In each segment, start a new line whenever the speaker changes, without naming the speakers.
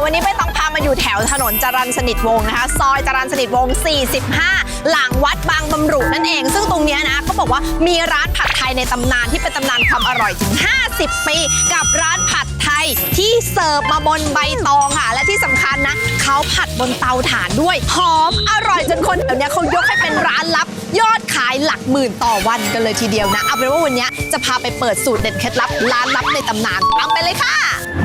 วันนี้ใบตองพามาอยู่แถวถนนจรัญสนิทวงศ์นะคะซอยจรัญสนิทวงศ์45หลังวัดบางบำรุนั่นเองซึ่งตรงนี้นะเขาบอกว่ามีร้านผัดไทยในตำนานที่เป็นตำนานความอร่อยถึง50 ปีกับร้านผัดไทยที่เสิร์ฟมาบนใบตองค่ะและที่สำคัญนะเขาผัดบนเตาถ่านด้วยหอมอร่อยจนคนแถวนี้เขายกให้เป็นร้านลับยอดขายหลักหมื่นต่อวันกันเลยทีเดียวนะเอาเป็นว่าวันนี้จะพาไปเปิดสูตรเด็ดเคล็ดลับร้านลับในตำนานตามไปเลยค่ะ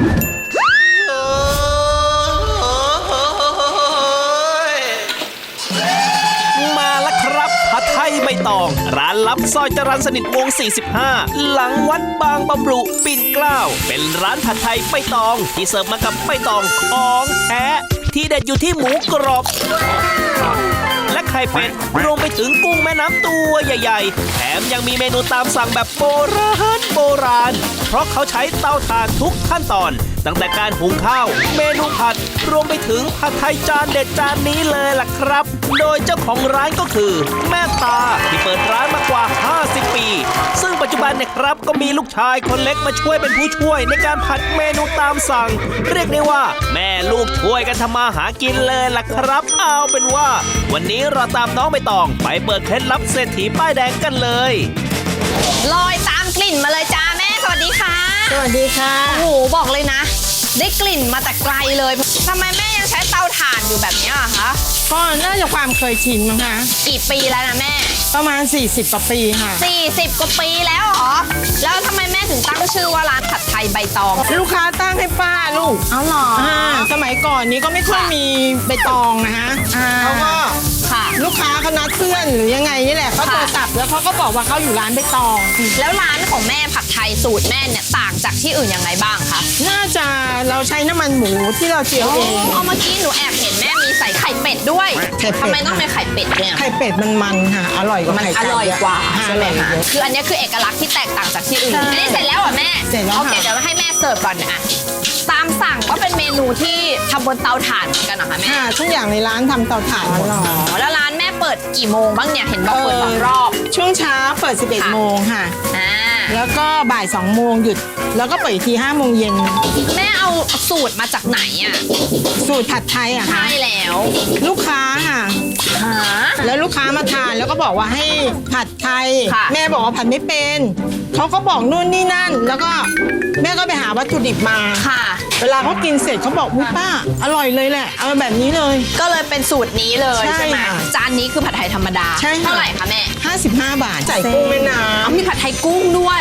มาแล้วครับผัดไทยใบตองร้านลับซอยจรัญสนิทวงศ์45หลังวัดบางบำรุปิ่นเกล้าเป็นร้านผัดไทยใบตองที่เสิร์ฟมากับใบตองของแท้ที่เด็ดอยู่ที่หมูกรอบและไข่เป็ดรวมไปถึงกุ้งแม่น้ำตัวใหญ่ๆแถมยังมีเมนูตามสั่งแบบโบราณเพราะเขาใช้เตาถ่านทุกขั้นตอนตั้งแต่การหุงข้าวเมนูผัดรวมไปถึงผัดไทยจานเด็ดจานนี้เลยล่ะครับโดยเจ้าของร้านก็คือแม่ตาที่เปิดร้านมากว่า50 ปีซึ่งปัจจุบันเนี่ยครับก็มีลูกชายคนเล็กมาช่วยเป็นผู้ช่วยในการผัดเมนูตามสั่งเรียกได้ว่าแม่ลูกช่วยกันทำมาหากินเลยล่ะครับเอาเป็นว่าวันนี้เราตามน้องใบตองไปเปิดเคล็ดลับเศรษฐีป้ายแดงกันเลย
ลอยตามกลิ่นมาเลยจ้าแม่สวัสดีค่ะ
สวัสดีค่ะ
โอ้โหบอกเลยนะได้กลิ่นมาแต่ไกลเลยทำไมแม่ยังใช้เตาถ่านอยู่แบบนี้อะคะ
ก็น่าจะความเคยชินมั้งคะ
กี่ปีแล้วนะแม่
ประมาณ40 กว่าปีค่ะ
40 กว่าปีแล้วเหรอแล้วทำไมแม่ถึงตั้งชื่อว่าร้านผัดไทยใบตอง
ลูกค้าตั้งให้ป้าลูก
อ๋อเหรอ
สมัยก่อนนี้ก็ไม่ค่อยมีใบตองนะคะเขาก็ลูกค้าเขานัดเพื่อนหรือยังไงนี่แหละเขาโทรศัพท์แล้วเขาก็บอกว่าเขาอยู่ร้านใบตอง
แล้วร้านของแม่ผัดไทยสูตรแม่เนี่ยต่างจากที่อื่นยังไงบ้างคะ
น่าจะเราใช้น้ำมันหมูที่เราเจียวเอง
เมื่อกี้หนูแอบเห็นแม่มีใส่ไข่เป็ดด้วยทำไมต้องเป็นไข่เป็ดเนี่ย
ไข่เป็ดมันค่ะอร่อยกว่าไข่ไก่
อร่อยกว่าใช่ไหมคะคืออันนี้คือเอกลักษณ์ที่แตกต่างจากที่อื่นอันนี้เสร็จแล้วเหรอแม่
เสร็จแล้ว
โอเคเดี๋ยวให้แม่เสิร์ฟก่อนนะตามสั่งก็เป็นเมนูที่ทำบนเตาถ่านเหมือนกันเหรอคะแม่
ทุกอย่างในร้านทำเตาถ่านหมด
แล้วร้านแม่เปิดกี่โมงบ้างเนี่ยเห็นบอกเปิด2 รอบ
ช่วงเช้าเปิด11 โมงค่ะแล้วก็บ่าย2 โมงหยุดแล้วก็เปิดอีกที5 โมงเย็น
แม่เอาสูตรมาจากไหนอ่ะ
สูตรผัดไทยอ่ะ
ใช่แล้ว
ลูกค้าค่ะแล้วลูกค้ามาทานแล้วก็บอกว่าให้ผัดไทยแม่บอกว่าผัดไม่เป็นเขาก็บอกนู่นนี่นั่นแล้วก็แม่ก็ไปหาวัตถุดิบมาเวลาเขากินเสร็จเขาบอกอุ๊ยป้าอร่อยเลยแหละเอาแบบนี้เลย
ก็เลยเป็นสูตรนี้เลยใช่ไหมจานนี้คือผัดไทยธรรมดาเท่าไหร่คะแม่
55 บาทใส่กุ้งแม่น้ำ
มีผัดไทยกุ้งด้วย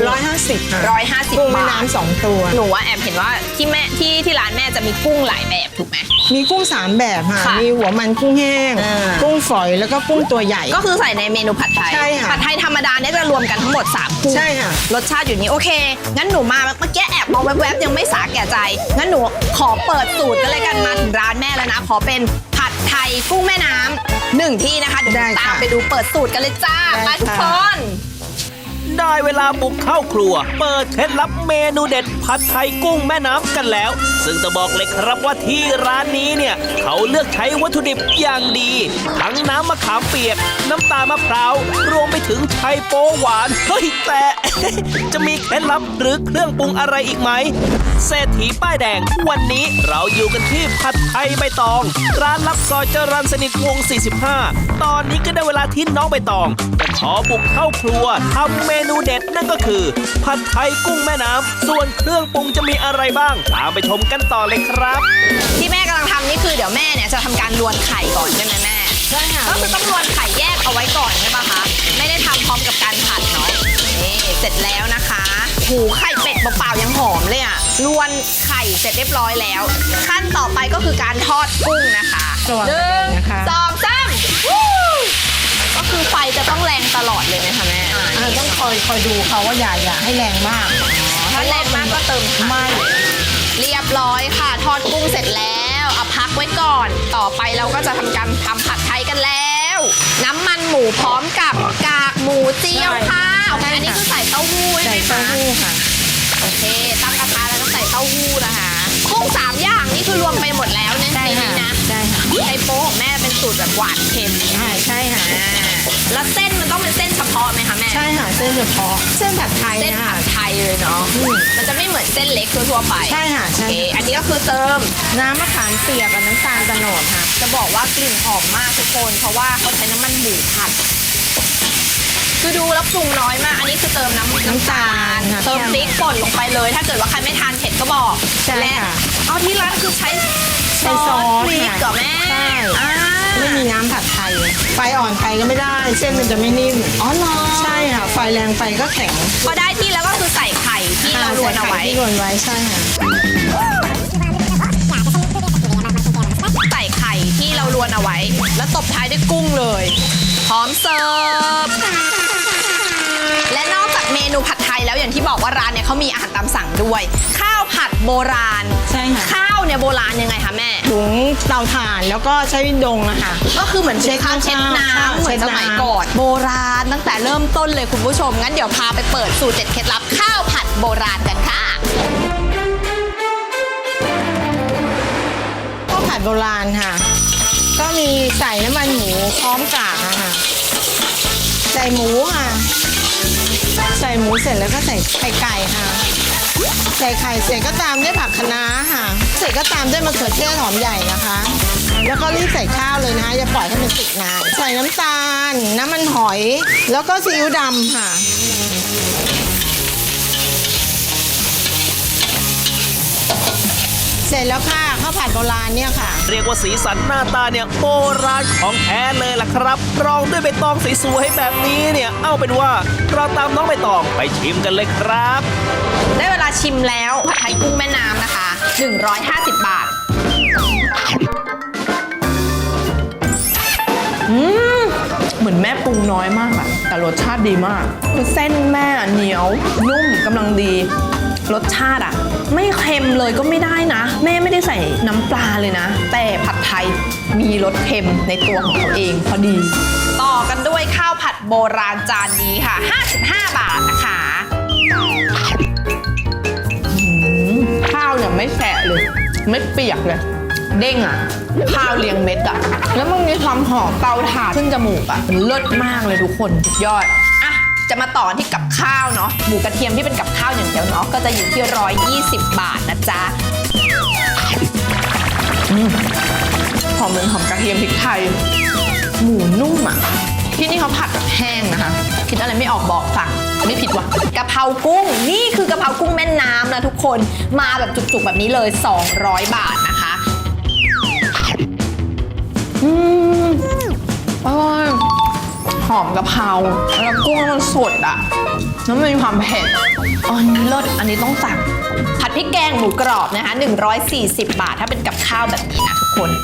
150กุ้งแม่น้ำ2 ตัว
หนูว่าแอบเห็นว่าที่แม่ที่ร้านแม่จะมีกุ้งหลายแบบถูกไหม
มีกุ้ง3 แบบค่ะมีหัวมันกุ้งแห้งกุ้งฝอยแล้วก็กุ้งตัวใหญ่
ก็คือใส่ในเมนูผัดไทย
ใช่ค่ะ
ผัดไทยธรรมดาเนี่ยจะรวมกันทั้งหมด3กุ้ง
ใช่ค่ะ
รสชาติอยู่นี้โอเคงั้นหนูมาเมื่อกี้แอบมองแวบๆยังไม่สาแก่ใจงั้นหนูขอเปิดสูตรกันเลยกันมาถึงร้านแม่แล้วนะขอเป็นผัดไทยกุ้งแม่น้ำ1 ที่นะคะเดี๋ยวตามไปดูเปิดสูตรกันเลยจ้าไปทุกคน
ได้เวลาบุกเข้าครัวเปิดเคล็ดลับเมนูเด็ดผัดไทยกุ้งแม่น้ำกันแล้วซึ่งจะบอกเลยครับว่าที่ร้านนี้เนี่ยเขาเลือกใช้วัตถุดิบอย่างดีทั้งน้ำมะขามเปียกน้ำตาลมะพร้าวรวมไปถึงไชโป๊หวานเฮ้ยแต่ จะมีเคล็ดลับหรือเครื่องปรุงอะไรอีกไหมเศรษฐีป้ายแดงวันนี้เราอยู่กันที่ผัดไทยใบตองร้านลับซอยจรัญสนิทวงศ์45ตอนนี้ก็ได้เวลาที่น้องใบตองจะขอบุกเข้าครัวทำเมนูเด็ดนั่นก็คือผัดไทยกุ้งแม่น้ำส่วนเครื่องปรุงจะมีอะไรบ้างตามไปชมกันต่อเลยครับ
ที่แม่กำลังทำนี่คือเดี๋ยวแม่เนี่ยจะทำการลวนไข่ก่อนใช่ไหมแม่
ใช่ค่ะ
ก็คือต้องลวนไข่แยกเอาไว้ก่อนใช่ปะคะไม่ได้ทำพร้อมกับการผัดเนาะนี่เสร็จแล้วนะคะหูไข่เป็ดเปล่าๆยังหอมเลยอ่ะลวนไข่เสร็จเรียบร้อยแล้วขั้นต่อไปก็คือการทอดกุ้งนะคะ1 2 3ก็คือไฟจะต้องแรงตลอดเลยไหมคะแม่
ต้องคอยดูเขาว่าอย่าให้แรงมาก
ถ้าแรงมากก็เติม
ไม่
เรียบร้อยค่ะทอดกุ้งเสร็จแล้วเอาพักไว้ก่อนต่อไปเราก็จะทำการทำผัดไทยกันแล้วน้ำมันหมูพร้อมกับกากหมูเจียวค่ะอันนี้คือใส่เต้าหู้ใช่ไหมคะ
ใส่เต้าหู้ค่ะ
โอเคตั้งกระทะแล้วต้องใส่เต้าหู้นะคะกุ้ง3 อย่างนี่นี้คือรวมไปหมดแล้วใน
ใช่
นี้
ค่ะ
นะ
ใช่ค่ะ
ไชโป๊ของแม่เป็นสูตรแบบหวานเค็ม
ใช่ค่ะ
แล้วเส้นมันต้องเป็นเส้นเฉพาะไหมคะแม่
ใช่ค่ะเส้นเฉพาะเส้นผัดไทย
เส้น
นะ
ผั
คะ
ดไทยเลยเนาะมันจะไม่เหมือนเส้นเล็กทั่วๆไป
ใช่ค่ะ
โอ
ใช่
เคอันนี้ก็คือเติม
น้ำมะขามเปียกกับน้ำตาลโตนดค่ะ
จะบอกว่ากลิ่นหอมมากทุกคนเพราะว่าเขาใช้น้ำมันหมูผัด คือดูแล้วปรุงน้อยมาก อันนี้คือเติมน้ำตาล
ค่ะ
เติมพริกป่นลงไปเลย ถ้าเกิดว่าใครไม่ทานเผ็ดก็บอก
ใช่
และ
ค่ะ
เอาที่ร้านคือใช้
ใช้ซอส
พริก
ค่ะ
กับแม่
ใช่
อ่า
ไม่มีน้ำผัดไทยไฟอ่อนไปก็ไม่ได้ เส้นมันจะไม่นิ่ม
อ๋อเหรอ
ใช่ค่ะไฟแรงไปก็แข็ง
พอได้ที่แล้วก็คือใส่ไข่ที่เราลวนเอาไว้
ใส่ไข่ที่ลวนไว้ใช่ค่ะ
ใส่ไข่ที่เราลวนเอาไว้ แล้วตบท้ายด้วยกุ้งเลยพร้อมเสิร์ฟและนอกจากเมนูผัดไทยแล้วอย่างที่บอกว่าร้านเนี่ยเขามีอาหารตามสั่งด้วย ข้าวผัดโบราณ
ใช่ค่ะ
ข้าวเนี่ยโบราณยังไงคะแม่
ถุงเตาถ่านแล้วก็ใช้ดงอะค่ะ
ก็คือเหมือนเป็นข้าวเช็ดน้ำเหมื
เช็
อน
ด
ส
น้ำ
มัยก่อนโบราณตั้งแต่เริ่มต้นเลยคุณผู้ชมงั้นเดี๋ยวพาไปเปิดสูตรเด็ดเคล็ดลับข้าวผัดโบราณกันค่ะ
ข้าวผัดโบราณค่ะ ก็มีใส่น้ำมันหมูพร้อมกากอะค่ะใส่หมูค่ะ ใส่หมูเสร็จแล้วก็ใส่ไข่ไก่ค่ะ ใส่ไข่เสร็จก็ตามด้วยผักคะน้าค่ะ เสร็จก็ตามด้วยมะเขือเทศหอมใหญ่นะคะ แล้วก็รีบใส่ข้าวเลยนะคะอย่าปล่อยให้มันติดนานใส่น้ำตาล น้ำมันหอย แล้วก็ซีอิ๊วดำค่ะ เสร็จแล้วค่ะข้าวผัดโบราณเนี่ยค่ะ
เรียกว่าสีสันหน้าตาเนี่ยโบราณของแท้เลยล่ะครับรองด้วยใบตองสวยๆแบบนี้เนี่ยเอาเป็นว่าเราตามน้องใบตองไปชิมกันเลยครับ
ได้เวลาชิมแล้วผัดไทยกุ้งแม่น้ำนะคะ150 บาทเหมือนแม่ปรุงน้อยมากอะแต่รสชาติดีมากคือเส้นแม่เหนียวนุ่มกำลังดีรสชาติอะไม่เค็มเลยก็ไม่ได้นะ แม่ไม่ได้ใส่น้ำปลาเลยนะ แต่ผัดไทยมีรสเค็มในตัวของเขาเองพอดี ต่อกันด้วยข้าวผัดโบราณจานนี้ค่ะ55 บาทนะคะข้าวเนี่ยไม่แฉะเลย ไม่เปียกเลย เด้งอ่ะ ข้าวเรียงเม็ดอ่ะ แล้วมันมีความหอมเตาถ่านขึ้นจมูกอ่ะมันเลิศมากเลยทุกคนสุดยอดอ่ะจะมาต่อที่กับข้าวเนาะหมูกระเทียมที่เป็นกับข้าวอย่างเดียวเนาะก็จะอยู่ที่120 บาทนะจ๊ะหอมเหมือนหอมกระเทียมพริกไทย หมูนุ่มอ่ะ ที่นี่เขาผัดแบบแห้งนะคะ คิดอะไรไม่ออกบอกสั่งไม่ผิดว่ะกะเพรากุ้งนี่คือกะเพรากุ้งแม่น้ำนะทุกคนมาแบบจุกๆแบบนี้เลย200 บาทนะคะอร่อยหอมกะเพราแล้วกุ้งมันสดอ่ะแล้วมันมีความเผ็ดอันนี้เลิศอันนี้ต้องสั่งผัดพริกแกงหมูกรอบนะคะ140 บาทถ้าเป็นกับข้าวแบบนี้นะทุกคน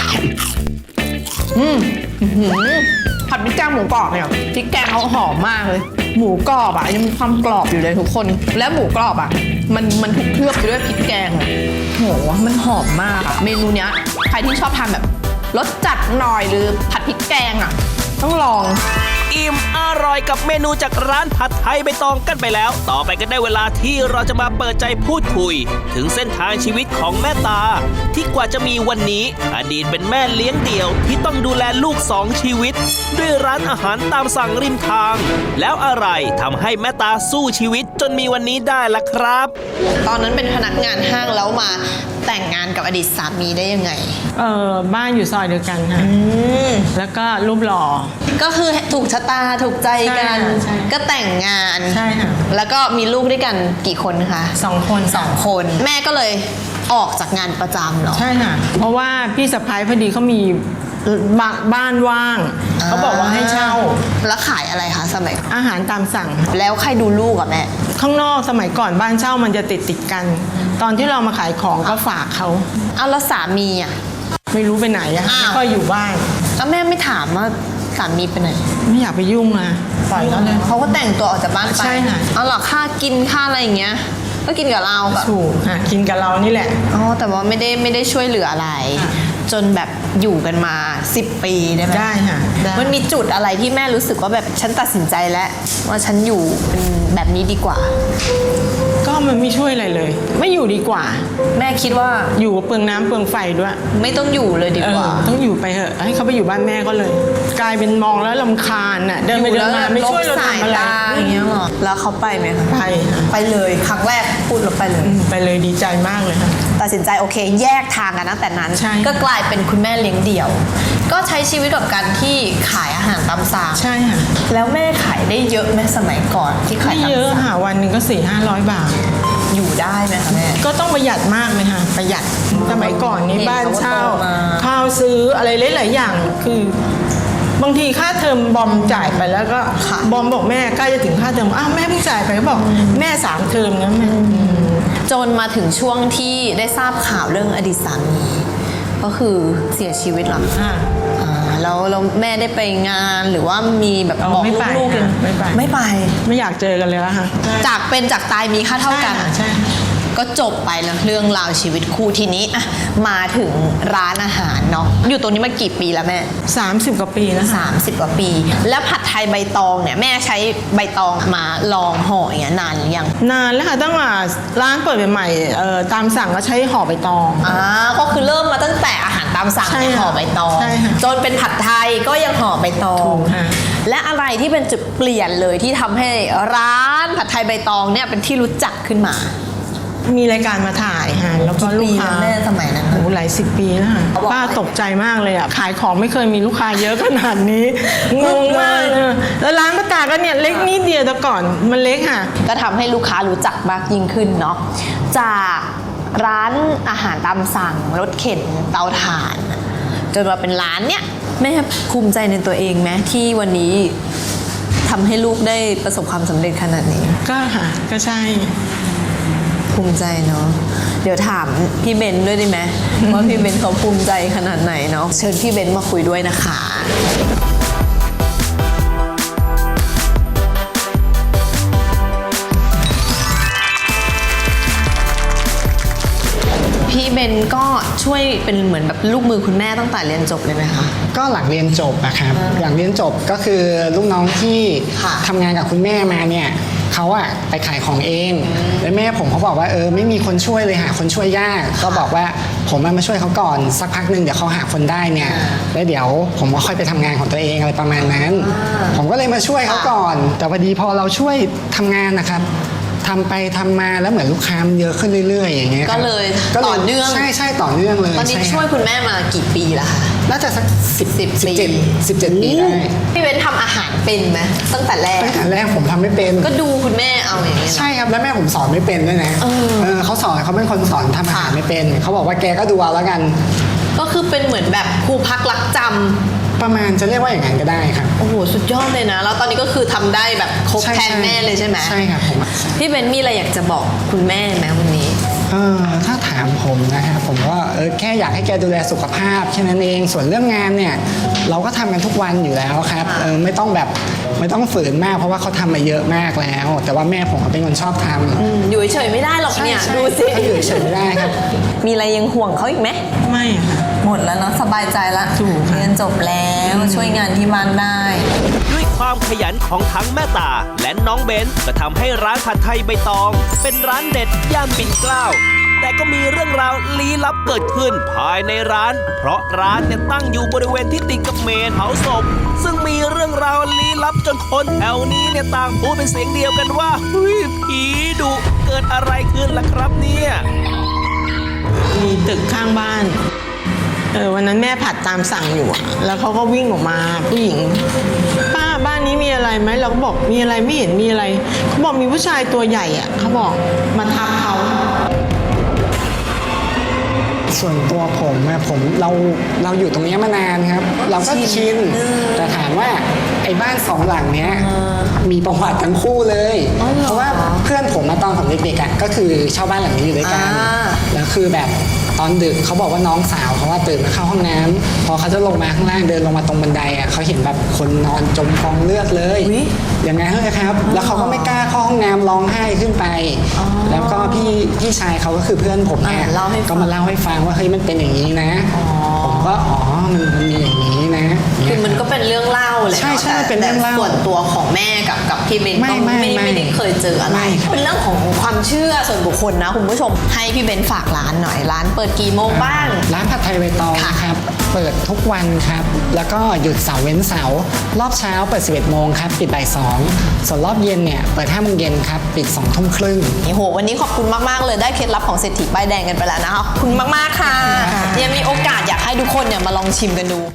ผัดพริกแกงหมูกรอบเนี่ยพริกแกงเขาหอมมากเลยหมูกรอบอ่ะยังมีความกรอบอยู่เลยทุกคนและหมูกรอบอ่ะมันถูกเคลือบไปด้วยพริกแกงอะโหมันหอมมากอะเมนูเนี้ยใครที่ชอบทานแบบรสจัดหน่อยหรือผัดพริกแกงอ่ะต้องลอง
อิ่มอร่อยกับเมนูจากร้านผัดไทยใบตองกันไปแล้ว ต่อไปก็ได้เวลาที่เราจะมาเปิดใจพูดคุย ถึงเส้นทางชีวิตของแม่ตา ที่กว่าจะมีวันนี้อดีตเป็นแม่เลี้ยงเดี่ยวที่ต้องดูแลลูก2 ชีวิต ด้วยร้านอาหารตามสั่งริมทาง แล้วอะไรทำให้แม่ตาสู้ชีวิตจนมีวันนี้ได้ล่ะครับ
ตอนนั้นเป็นพนักงานห้างแล้วมาแต่งงานกับอดีตสามีได้ยังไง
บ้านอยู่ซอยเดียวกันค่ะแล้วก็รูปหล่อ
ก็คือถูกชะตาถูกใจกัน
ใช่
ก็แต่งงาน
ใช่ค่ะ
แล้วก็มีลูกด้วยกันกี่คนคะ
2 คน
2 คน แม่ก็เลยออกจากงานประจำเหรอ
ใช่ค่ะ เพราะว่าพี่สะพ้ายพอดีเขามีบ้านว่าง เขาบอกว่าให้เช่า
แล้วขายอะไรคะสมัย
อาหารตามสั่ง
แล้วใครดูลูกอะแม่
ข้างนอกสมัยก่อนบ้านเช่ามันจะติดกัน ตอนที่เรามาขายของก็ฝากเขา
เอาแล้วสามีอะ
ไม่รู้ไปไหนอะ
อ้าว
ไม่ค่อยอยู่บ้าน
แล้วแม่ไม่ถามว่าสามีไปไหน
ไม่อยากไปยุ่งนะปล่อยเขาเลย
เขาก็แต่งตัวออกจากบ้านไป
ใช่ค่ะ
เอาเหรอค่ากินค่าอะไรอย่างเงี้ยก็กินกับเราแบบ
ถูกค่ะกินกับเรานี่แหละ
อ๋อแต่ว่าไม่ได้ช่วยเหลืออะไร
ค่ะ
จนแบบอยู่กันมา10 ปีได้ไหม
ได้ค่ะได้
มันมีจุดอะไรที่แม่รู้สึกว่าแบบฉันตัดสินใจแล้วว่าฉันอยู่เป็นแบบนี้ดีกว่า
ก็มันไม่ช่วยอะไรเลย ไม่อยู่ดีกว่า
แม่คิดว่า
อยู่เปลืองน้ำเปลืองไฟด้วย
ไม่ต้องอยู่เลยดีกว่า
ต้องอยู่ไปเถอะให้เขาไปอยู่บ้านแม่ก็เลย กลายเป็นมองแล้วรำคาญน่ะเดินไปเดินมาไม่ช่วยเราทำอะไร
อย่างเงี้ยหรอแล้วเขาไปไหมคะ
ไปค่ะ
ไปเลยครั้งแรกพูดแล้วไปเลย
ไปเลยดีใจมากเลยค่ะ
ตัดสินใจโอเคแยกทางกันตั้งแต่นั้น
ใช่
ก็กลายเป็นคุณแม่เลี้ยงเดี่ยว ก็ใช้ชีวิตกับการที่ขายอาหารตามสั่ง
ใช่ค่ะ
แล้วแม่ขายได้เยอะไหมสมัยก่อนที่ขาย
ไม่
ตาม
เยอะ
สั่ง
ค่ะวันหนึ่งก็400-500 บาท
อยู่ได้ไหมคะแม่
ก็ต้องประหยัดมากเลยค่ะประหยัดสมัยก่อนนี้
เห็น
บ้านเช่า
เขาก็โตมา
ข้าวซื้ออะไรหลายๆอย่างคือบางทีค่าเทอมบอมจ่ายไปแล้วก็บอมบอกแม่ใกล้จะถึงค่าเทอมอ้าวแม่เพิ่งจ่ายไปก็บอกแม่3 เทอมนะแม่
จนมาถึงช่วงที่ได้ทราบข่าวเรื่องอดีตสามีก็คือเสียชีวิตเหรอ
อ่า
แล้วแม่ได้ไปงานหรือว่ามีแบบ
อ๋อ
บอก
ไม่ไป
ลูกๆ
ค่ะไม่ไป
ไม่ไป
ไม่อยากเจอกันเลยแล้วค่ะ
จากเป็นจากตายมีค่าเท่ากัน
ใช่ค่ะ
ก็จบไปแล้วเรื่องราวชีวิตคู่ทีนี้อะมาถึงร้านอาหารเนาะอยู่ตรงนี้มากี่ปีแล้วแม่
30 กว่าปีแล้วค่ะ
30 กว่าปี แล้วผัดไทยใบตองเนี่ยแม่ใช้ใบตองมาลองห่ออย่างเงี้ยนานหรือยัง
นานแล้วค่ะตั้งแต่ร้านเปิดใหม่ๆตามสั่งก็ใช้ห่อใบตอง
ก็คือเริ่มมาตั้งแต่อาหารตามสั่ง
ใช่ค่ะ
ห่อใบตอง
ใช่ค่ะ
จนเป็นผัดไทยก็ยังห่อใบตอ
ถู
ง
กค่ะ
และอะไรที่เป็นจุดเปลี่ยนเลยที่ทำให้ร้านผัดไทยใบตองเนี่ยเป็นที่รู้จักขึ้นมา
มีรายการมาถ่ายค่ะแล้วก็ลูกค้า
ปีแล้วแม่สมัยนั้น
โอ้หลาย10 ปีแล้วค่ะ
เขาบอก
ป้าตกใจมากเลยอ่ะขายของไม่เคยมีลูกค้าเยอะขนาดนี้งงมากเลยแล้วร้านป้าตาก็เนี่ยเล็กนิดเดียวแต่ก่อนมันเล็กค่ะ
ก็ทำให้ลูกค้ารู้จักมากยิ่งขึ้นเนาะจากร้านอาหารตามสั่งรถเข็นเตาถ่านจนมาเป็นร้านเนี่ยแม่ภูมิใจในตัวเองไหมที่วันนี้ทำให้ลูกได้ประสบความสำเร็จขนาดนี้
ก็ค่ะก็ใช่
ภูมิใจเนาะเดี๋ยวถามพี่เบนด้วยได้ไหม ว่าพี่เบนเขาภูมิใจขนาดไหนเนาะเชิญพี่เบนมาคุยด้วยนะคะ พี่เบนก็ช่วยเป็นเหมือนแบบลูกมือคุณแม่ตั้งแต่เรียนจบเลยไหมคะ
ก็หลังเรียนจบอะครับหลังเรียนจบก็คือลูกน้องที่
ค่ะ
ทำงานกับคุณแม่มาเนี่ยเขาอะไปขายของเองแล้วแม่ผมเขาบอกว่าไม่มีคนช่วยเลยหาคนช่วยยากก็บอกว่าผมมาช่วยเขาก่อนสักพักหนึ่งเดี๋ยวเขาหาคนได้เนี่ยแล้วเดี๋ยวผมก็ค่อยไปทำงานของตัวเองอะไรประมาณนั้น ผมก็เลยมาช่วยเขาก่อน แต่พอดีพอเราช่วยทำงานนะครับทำไปทำมาแล้วเหมือนลูกค้ามันเยอะขึ้นเรื่อยๆอย่างเงี้ยครับ
ก็เลยต่อเนื่อง
ใช่ต่อเนื่องเลย
ตอนนี้
ใครับ
ช่วยคุณแม่มากี่ปีแล้วคะ
น่าจะสัก
10
17
ปี
17 ปีได้
พี่เบนทำอาหารเป็นไหมตั้งแต่แรก
ตั้งแต่แรกผมทำไม่เป็น
ก็ดูคุณแม่เอาอย่างนี้ย
ใช่ครับแล้วแม่ผมสอนไม่เป็นด้วยนะเขาสอนเขาเป็นคนสอนทำอาหารไม่เป็นเขาบอกว่าแกก็ดูเอาแล้วกัน
ก็คือเป็นเหมือนแบบครูพักรักจำ
ประมาณจะเรียกว่าอย่างนั้นก็ได้ครับ
โอ้โหสุดยอดเลยนะ แล้วตอนนี้ก็คือทำได้แบบครบ
ใช่
แทนแม่เลยใช่ไหม
ใช่ครับผม
พี่เบนมีอะไรอยากจะบอกคุณแม่ไหมวันนี้
ถ้าถามผมนะครับผมก็แค่อยากให้แกดูแลสุขภาพแค่นั้นเองส่วนเรื่องงานเนี่ยเราก็ทำกันทุกวันอยู่แล้วครับไม่ต้องฝืนมากเพราะว่าเขาทำมาเยอะมากแล้ว แต่ว่าแม่ผมเป็นคนชอบทำ
อยู่เฉยๆไม่ได้หรอกเนี่ย
ใช่
ดูสิ
เขาอยู่เฉยไม่ได้ครับ
มีอะไรยังห่วงเขาอีกไหม
ไม่ค่ะ
หมดแล้วเนาะสบายใจละ
ถูกค่ะ
เรียนจบแล้วช่วยงานที่บ้านได้
ด้วยความขยันของทั้งแม่ตาและน้องเบนก็ทำให้ร้านผัดไทยใบตอง เป็นร้านเด็ดย่านปิ่นเกล้าแต่ก็มีเรื่องราวลี้ลับเกิดขึ้นภายในร้าน เพราะร้านเนี่ยตั้งอยู่บริเวณที่ติดกับเมนเผาศพซึ่งมีเรื่องราวลี้ลับจนคนแถวนี้เนี่ยต่างพูดเป็นเสียงเดียวกันว่าเฮ้ยผีดุเกิดอะไรขึ้นล่ะครับเนี่ย
มีตึกข้างบ้านวันนั้นแม่ผัดตามสั่งอยู่อะแล้วเขาก็วิ่งออกมาผู้หญิงป้าบ้านนี้มีอะไรไหมเราก็บอกมีอะไรไม่เห็นมีอะไรเขาบอกมีผู้ชายตัวใหญ่อะเขาบอกมาทับเขา
ส่วนตัวผมอะเราอยู่ตรงนี้มานานครับ เราก็ชินแต่ถามว่าไอ้บ้านสองหลังเนี้ยมีประวัติทั้งคู่เลย เพราะว่าเพื่อนผมมาตอนผมเด็กๆอะก็คือเช่าบ้านหลังนี้อยู่ด้วยกันแล้วคือแบบตอนดึกเขาบอกว่าน้องสาวเขาว่าตื่นมาเข้าห้องน้ำพอเขาจะลงมาข้างล่างเดินลงมาตรงบันไดอ่ะเขาเห็นแบบคนนอนจมกองเลือดเลยอย่างนั้นเลยครับแล้วเขาก็ไม่กล้าเข้าห้องน้ำร้องไห้ขึ้นไปแล้วก็พี่ชายเขาก็คือเพื่อนผมเนี่ยก็มาเล่าให้ฟังว่าเฮ้ยมันเป็นอย่างนี้นะผมก็มันมีอย่างนี้นะ
คือมันก็เป็นเรื่องเล่าเลย
ใช่เป็นเรื่องเล่า
ส่วนตัวของแม่กับพี่เบนก็ไม่ได้เคยเจออะไรเป็นเรื่องของความเชื่อส่วนบุคคลนะคุณผู้ชมให้พี่เบนฝากร้านหน่อยร้านเปิดกี่โมงบ้าง
ร้านผัดไทยใบตองครับเปิดทุกวันครับแล้วก็หยุดเสาร์เว้นเสาร์รอบเช้าเปิด 11 โมงครับปิดบ่าย 2ส่วนรอบเย็นเนี่ยเปิด 5 โมงเย็นครับปิด 2 ทุ่มครึ่ง
โหวันนี้ขอบคุณมากๆเลยได้เคล็ดลับของเศรษฐีป้ายแดงกันไปแล้วนะคะขอบคุณมากๆค่ะยังมีโอกาสอยากให้ทุกคนเนี่ยมาลองชิมกันดู